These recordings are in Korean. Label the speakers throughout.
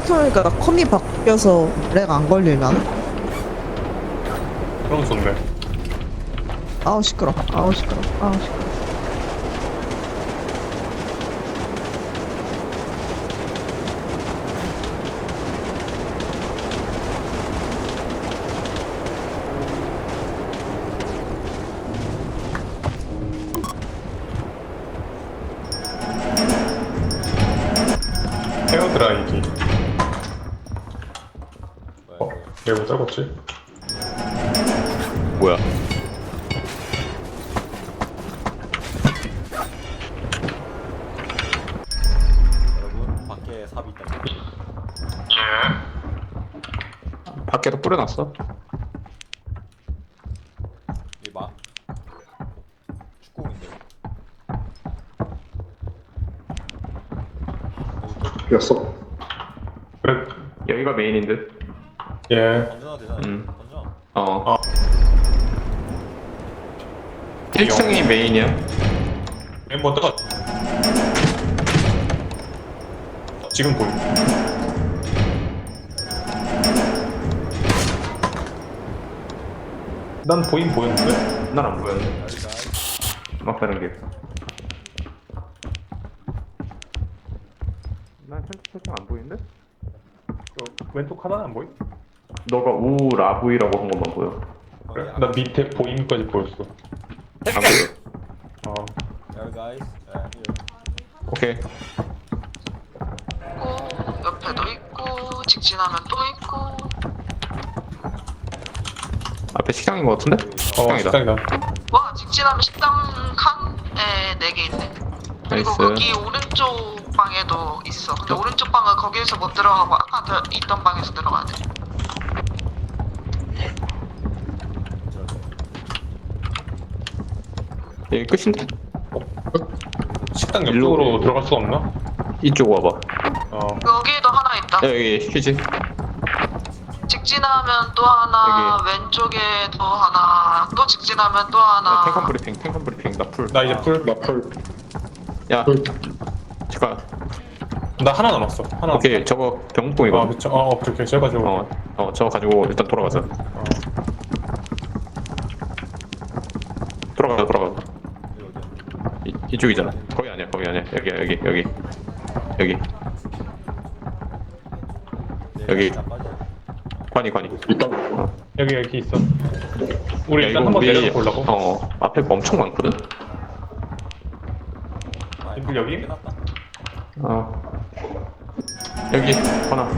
Speaker 1: 생각해보니까 컴이 바뀌어서 렉 안 걸리려나?
Speaker 2: 그런 거 좋네.
Speaker 1: 아우 시끄러. 아우 시끄러. 아우 시끄러.
Speaker 2: 헤어 드라이기. 얘 왜 작았지?
Speaker 3: 뭐야?
Speaker 4: 여러분 밖에 삽이 있다.
Speaker 2: 예.
Speaker 3: 밖에도 뿌려놨어.
Speaker 4: 이 막 축구공인데.
Speaker 2: 였어. 그래.
Speaker 3: 여기가 메인인 듯.
Speaker 2: 예.
Speaker 4: 던져도 되잖아. 던져.
Speaker 3: 어. 1층이 메인이야.
Speaker 2: 멤버 떠. 지금 보임. 난 보였는데?
Speaker 3: 난 안 보였네. 막 다른 게. 난 살짝 안 보이는데?
Speaker 2: 왼쪽 하나는 안 보임?
Speaker 3: 너가 우 라브이라고 한 것만 보여.
Speaker 2: 그래? 나 밑에 보임까지 보였어.
Speaker 3: 안 보여.
Speaker 2: 어.
Speaker 4: There guys. Here.
Speaker 3: 오케이.
Speaker 5: 있고 옆에도 있고 직진하면 또 있고.
Speaker 3: 앞에 식당인 것 같은데? 식당이다.
Speaker 2: 식당이다.
Speaker 5: 와 직진하면 식당 칸에 4개 있네. 그리고
Speaker 3: 나이스.
Speaker 5: 거기 오른쪽 방에도 있어. 근데 오른쪽 방은 거기에서 못 들어가고 아까 있던 방에서 들어가야 돼.
Speaker 3: 여기 끝인데?
Speaker 2: 식당
Speaker 3: 일로
Speaker 2: 옆쪽으로
Speaker 3: 오고.
Speaker 2: 들어갈 수가 없나?
Speaker 3: 이쪽 와봐.
Speaker 2: 어.
Speaker 5: 여기에도 하나 있다.
Speaker 3: 여기 휴지.
Speaker 5: 직진하면 또 하나, 왼쪽에도 하나, 또 직진하면 또 하나.
Speaker 3: 탱컨 브리핑, 탱컨 브리핑. 나 풀.
Speaker 2: 나 이제 풀.
Speaker 3: 야. 잠깐.
Speaker 2: 나 하나 남았어. 하나.
Speaker 3: 오케이. 저거
Speaker 2: 아,
Speaker 3: 병목봉이거든.
Speaker 2: 그쵸. 그렇게 제가지고.
Speaker 3: 저거 가지고 일단 돌아가자. 돌아가자.
Speaker 4: 여기 어디야?
Speaker 3: 이쪽이잖아. 거기 아니야. 여기. 여기.
Speaker 4: 자, 빠져.
Speaker 3: 관이.
Speaker 2: 여기 있어. 우리
Speaker 3: 야,
Speaker 2: 일단
Speaker 3: 이거
Speaker 2: 한번
Speaker 3: 우리-
Speaker 2: 내려서 보려고.
Speaker 3: 앞에 뭐 엄청 많거든.
Speaker 4: 아,
Speaker 2: 인플 여기?
Speaker 4: 끝났다.
Speaker 3: 여기 하나.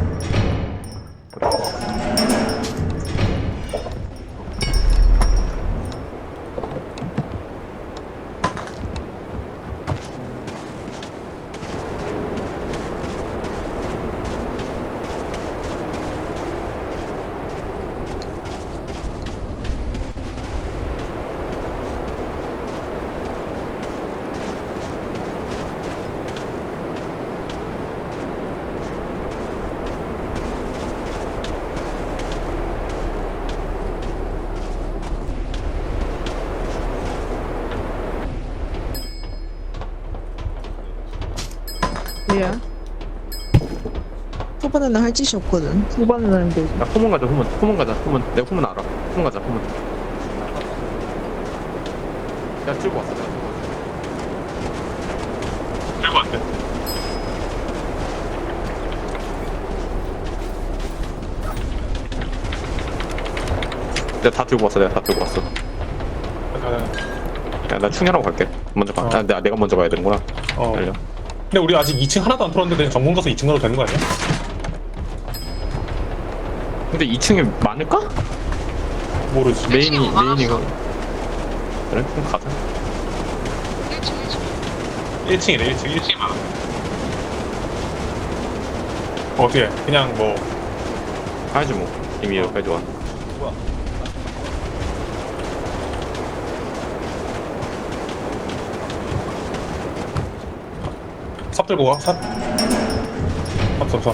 Speaker 1: 예. 초반에는 할 짓이 없거든. 후반에는 하는데
Speaker 3: 야, 후문 가자. 후문 가자. 내가 후문 알아. 후문 가자. 야, 들고 왔어.
Speaker 2: 들고 왔대.
Speaker 3: 내가 다 들고 왔어. 야, 나 충전하고 갈게. 먼저 가. 내가 먼저 가야 되는구나. 알려.
Speaker 2: 근데 우리 아직 2층 하나도 안 털었는데 그냥 전공 가서 2층 가도 되는 거 아니야?
Speaker 3: 근데 2층에 많을까?
Speaker 2: 모르지.
Speaker 3: 메인이
Speaker 5: 뭐 많았어?
Speaker 3: 메인이가. 그래? 그럼 가자.
Speaker 5: 1층.
Speaker 2: 1층이래 1층이 많아. 어떻게 그냥 뭐
Speaker 3: 가야지 뭐. 이미 여기까지 왔.
Speaker 4: 뭐야?
Speaker 2: 삽 들고 와? 삽? 삽.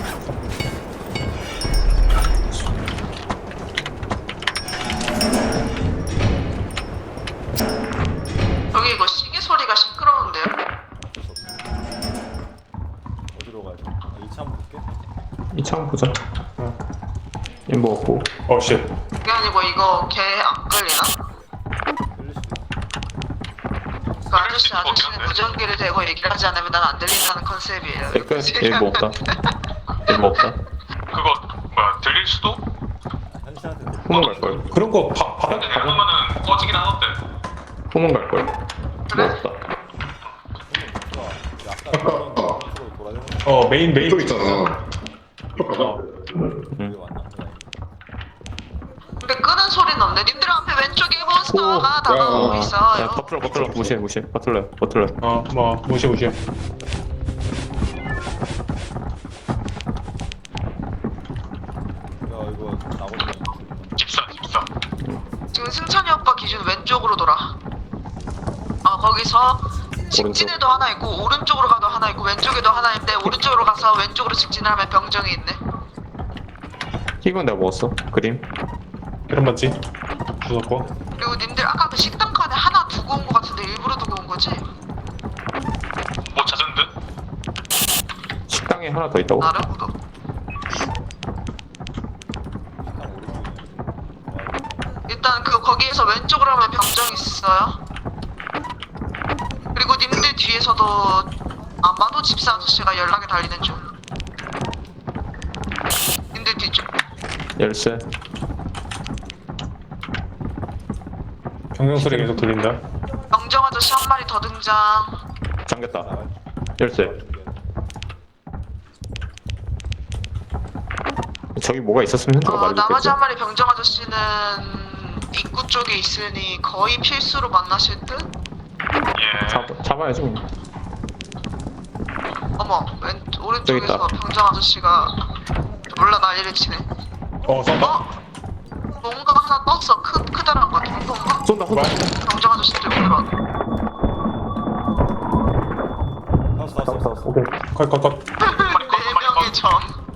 Speaker 5: 여기 이거 시계 소리가 시끄러운데요?
Speaker 4: 어디로 가야 돼? 2차 한번 볼게.
Speaker 3: 2차 보자. 이 먹었고.
Speaker 2: 쉣.
Speaker 5: 그게 아니고 이거 걔 안 끌리나?
Speaker 4: 끌릴 수도 있어.
Speaker 5: 그 아저씨는 무전기를 대고 얘기를 하지 않으면 난 안 들린다는 컨셉이에요.
Speaker 3: 끝. 일 먹었다. 일 먹었다.
Speaker 6: 그거 뭐야 들릴 수도?
Speaker 4: 현실한테 들릴
Speaker 3: 후문 갈걸.
Speaker 2: 그런 거 바닥
Speaker 6: 근데 해놓으면은 꺼지긴 하던데.
Speaker 3: 후문 갈걸.
Speaker 5: 그래?
Speaker 3: 먹었다.
Speaker 4: 수가 우리 아까 그런 쪽으로 돌아다니는
Speaker 2: 메인
Speaker 7: 또 있잖아.
Speaker 4: 게 왔나?
Speaker 5: 근데 끄는 소리는 없네. 님들 앞에 왼쪽에 몬스터가 다가오고
Speaker 3: 야,
Speaker 5: 있어요.
Speaker 3: 버틀러 무시해. 버틀러.
Speaker 2: 무시해.
Speaker 4: 야 이거 나거든.
Speaker 6: 집사.
Speaker 5: 지금 승찬이 오빠 기준 왼쪽으로 돌아. 거기서 직진에도 하나 있고 오른쪽으로 가도 하나 있고 왼쪽에도 하나 있는데 오른쪽으로 가서 왼쪽으로 직진을 하면 병정이 있네.
Speaker 3: 이건 내가 먹었어. 그림.
Speaker 2: 이런 맞지? 주웠고.
Speaker 5: 그리고 님들 아까 그 식당 칸에 하나 두고 온 거 같은데 일부러 두고 온 거지?
Speaker 6: 뭐 찾은 듯?
Speaker 3: 식당에 하나 더 있다고?
Speaker 5: 나름으로. 일단 거기에서 왼쪽으로 하면 병정 있어요. 그리고 님들 뒤에서도 아마도 집사 아저씨가 연락이 달리는 중. 님들 뒤쪽.
Speaker 3: 열쇠.
Speaker 2: 경영 소리 계속 들린다.
Speaker 5: 병정 아저씨 한 마리 더 등장.
Speaker 3: 잠겼다. 열쇠. 저기 뭐가 있었으면 현타가
Speaker 5: 나머지
Speaker 3: 말해줬겠지.
Speaker 5: 한 마리 병정 아저씨는 입구 쪽에 있으니 거의 필수로 만나실 듯?
Speaker 6: 예.
Speaker 3: 잡아야지. 그냥.
Speaker 5: 어머, 오른쪽에서
Speaker 3: 있다.
Speaker 5: 병정 아저씨가 몰라 난리를 치네.
Speaker 2: 쏜다.
Speaker 5: 뭔가 하나 떴어. 크다란 거 같은 건가?
Speaker 3: 쏜다.
Speaker 5: 병정 아저씨 들고 들어.
Speaker 4: 나왔어.
Speaker 2: 오케이. 컷.
Speaker 5: 네 명의 점.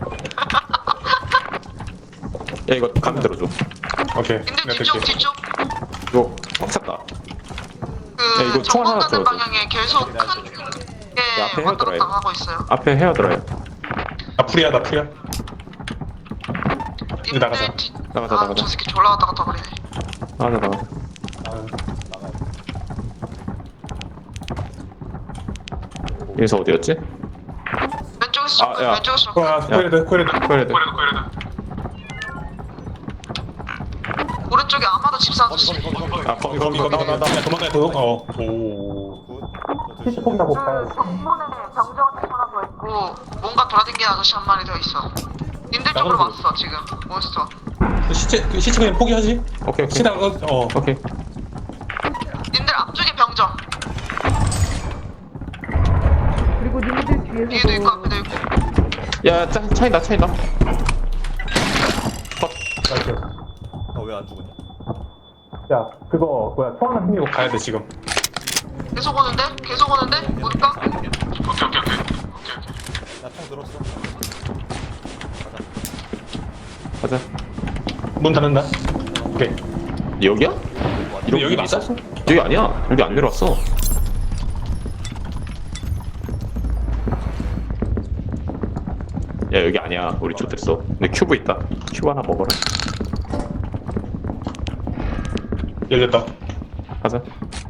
Speaker 3: 야 이거 가면 들어줘.
Speaker 2: 오케이.
Speaker 5: 근데
Speaker 2: 내가
Speaker 5: 뒤쪽
Speaker 2: 뜰게.
Speaker 5: 뒤쪽
Speaker 3: 이거 꽉 찼다. 야,
Speaker 5: 그
Speaker 3: 이거 총 하나
Speaker 5: 정문 가는
Speaker 3: 들어줘.
Speaker 5: 방향에 계속
Speaker 3: 야,
Speaker 5: 큰게
Speaker 3: 앞에
Speaker 5: 왔다
Speaker 3: 헤어들어야
Speaker 5: 갔다 하고 있어요.
Speaker 3: 앞에 헤어들어요.
Speaker 2: 나 풀이야. 이제 나가자.
Speaker 5: 님들 뒤...
Speaker 3: 나가자.
Speaker 5: 저 새끼 졸라 왔다 갔다 거리네.
Speaker 3: 나가자. 여기서 어디였지?
Speaker 5: 왼쪽에서
Speaker 3: 아,
Speaker 5: 접근,
Speaker 3: 야.
Speaker 5: 왼쪽에서 접근.
Speaker 2: 코에레드.
Speaker 3: 코레드.
Speaker 6: 코레드.
Speaker 5: 오른쪽에 아마도 집사 아저씨.
Speaker 3: 아 거기
Speaker 2: 나 도망가야 돼. 오.
Speaker 5: 그 정문에 병정 아저씨 하나 더 있고 뭔가 돌아다니는 아저씨 한 마리 더 있어. 님들 쪽으로
Speaker 2: 나가는
Speaker 5: 왔어 지금 몬스터.
Speaker 2: 시체 그냥 포기하지?
Speaker 3: 오케이.
Speaker 2: 시다
Speaker 3: 오케이.
Speaker 5: 님들 앞쪽에 병정.
Speaker 1: 그리고 님들
Speaker 5: 뒤에도 있고
Speaker 1: 뒤에서도
Speaker 5: 앞에도 있고.
Speaker 3: 야 차이나.
Speaker 4: 너 왜 안 죽었냐?
Speaker 2: 야, 그거 뭐야? 총 하나 챙기고 가야 돼 지금.
Speaker 5: 계속 오는데? 올까?
Speaker 6: 오케이.
Speaker 4: 나총 들었어.
Speaker 3: 가자.
Speaker 2: 문 닫는다. 오케이.
Speaker 3: 여기야?
Speaker 2: 근데 여기 맞아?
Speaker 3: 여기 아니야. 여기 안 내려왔어. 야 여기 아니야. 우리 쪽 됐어. 근데 큐브 있다. 큐브 하나 먹어라.
Speaker 2: 열렸다.
Speaker 3: 가자.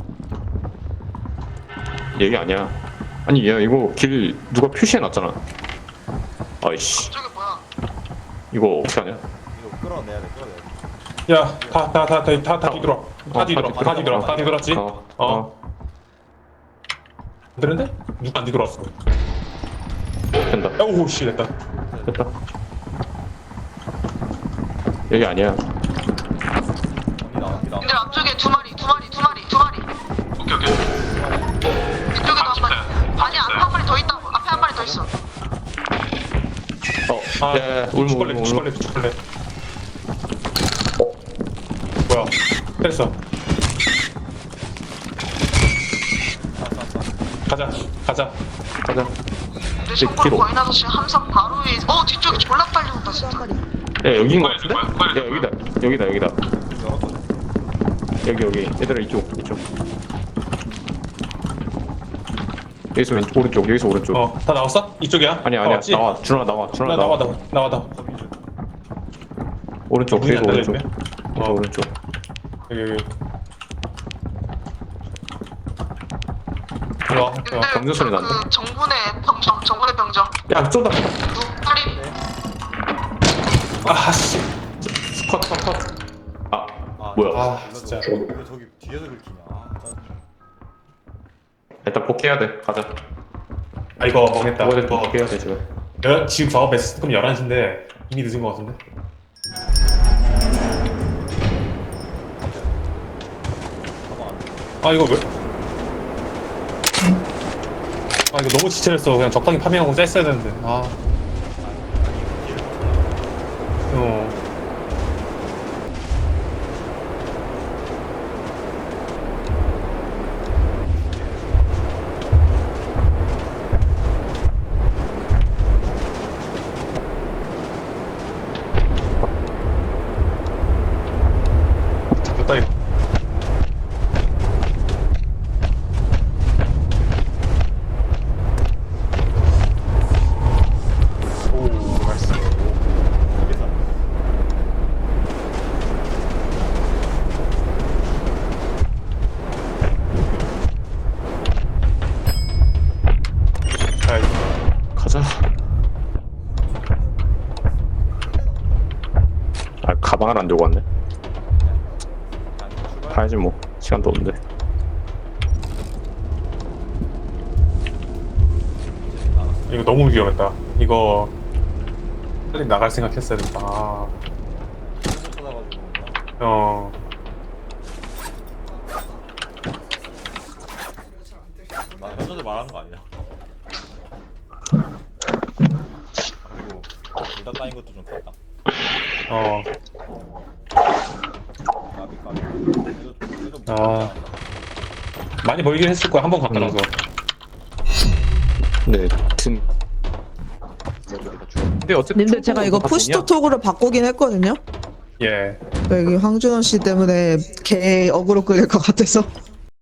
Speaker 3: 여기 아니야. 아니 야 이거 길 누가 표시해놨잖아. 아이씨.
Speaker 5: 저게 뭐야?
Speaker 3: 이거 어떻게 하냐?
Speaker 4: 이거 끌어내야 돼.
Speaker 2: 야, 다 뒤돌아. 다 뒤돌았지? 안 되는데? 누가 안 뒤돌았어?
Speaker 3: 된다.
Speaker 2: 오우 씨 됐다.
Speaker 3: 됐다. 여기 아니야.
Speaker 5: 님들 앞쪽에 두 마리.
Speaker 6: 오케이.
Speaker 5: 이쪽에도 한 마리. 아니 앞에 한 마리 더 있다고. 앞에 한 마리 더 있어.
Speaker 3: 울무.
Speaker 2: 죽을래. 뭐야? 됐어. 가자.
Speaker 5: 내 정보를
Speaker 3: 뒤로.
Speaker 5: 거인 아저씨 함선 바로 위에. 뒤쪽에 졸라 빨리 온다 진짜.
Speaker 1: 한 마리.
Speaker 3: 야 여기인 거 같은데?
Speaker 6: 빨리.
Speaker 3: 야 여기다. 여기. 얘들아 이쪽. 여기서 오른쪽 여기서 오른쪽.
Speaker 2: 다 나왔어? 이쪽이야?
Speaker 3: 아니야
Speaker 2: 다
Speaker 3: 아니야
Speaker 2: 왔지?
Speaker 3: 나와 준아 나와 준아
Speaker 2: 나와
Speaker 3: 나와.
Speaker 2: 나와.
Speaker 3: 오른쪽
Speaker 2: 문이 안
Speaker 3: 여기서 오른쪽.
Speaker 2: 닫혀있네.
Speaker 3: 여기서 오른쪽.
Speaker 2: 여기. 와,
Speaker 5: 근데
Speaker 3: 경주 소리 난다.
Speaker 5: 그 정군의 병정.
Speaker 3: 야 쏜다.
Speaker 5: 빨리.
Speaker 2: 아, 씨.
Speaker 3: 컷. 아
Speaker 4: 아,
Speaker 3: 뭐야?
Speaker 2: 아, 진짜.
Speaker 4: 왜 저기 뒤에서 긁히냐. 아, 짜증나.
Speaker 3: 일단 복귀해야 돼. 가자.
Speaker 2: 아, 이거 먹겠다.
Speaker 3: 뭐든
Speaker 2: 이거
Speaker 3: 복귀해야 돼 지금.
Speaker 2: 지금 작업했을 금 11시인데 이미 늦은 것 같은데? 아, 이거 왜? 아, 이거 너무 지체했어. 그냥 적당히 파밍하고 쐈어야 되는데. 아. 잡혔다, 이거. 오, 나이스. 아이,
Speaker 3: 가자. 아 가방을 안 들고 왔네. 가야지 뭐 시간도 없는데.
Speaker 2: 이거 너무 위험했다. 이거 빨리 나갈 생각했어야 된다. 아,
Speaker 4: 잘못 찾아가지고.
Speaker 2: 어.
Speaker 4: 나 현저도 말하는 거 아니야? 그리고 일단 따인 것도 좀 컸다.
Speaker 2: 어.
Speaker 4: 까비. 그래도
Speaker 2: 아. 많이 보이긴 했을 거야. 한 번 갔다 나서.
Speaker 3: 네. 튼. 근데 어쨌든
Speaker 1: 님들 제가 이거 푸시토톡으로 바꾸긴 했거든요.
Speaker 2: 예.
Speaker 1: 여기 황준원 씨 때문에 개 어그로 끌릴 것 같아서.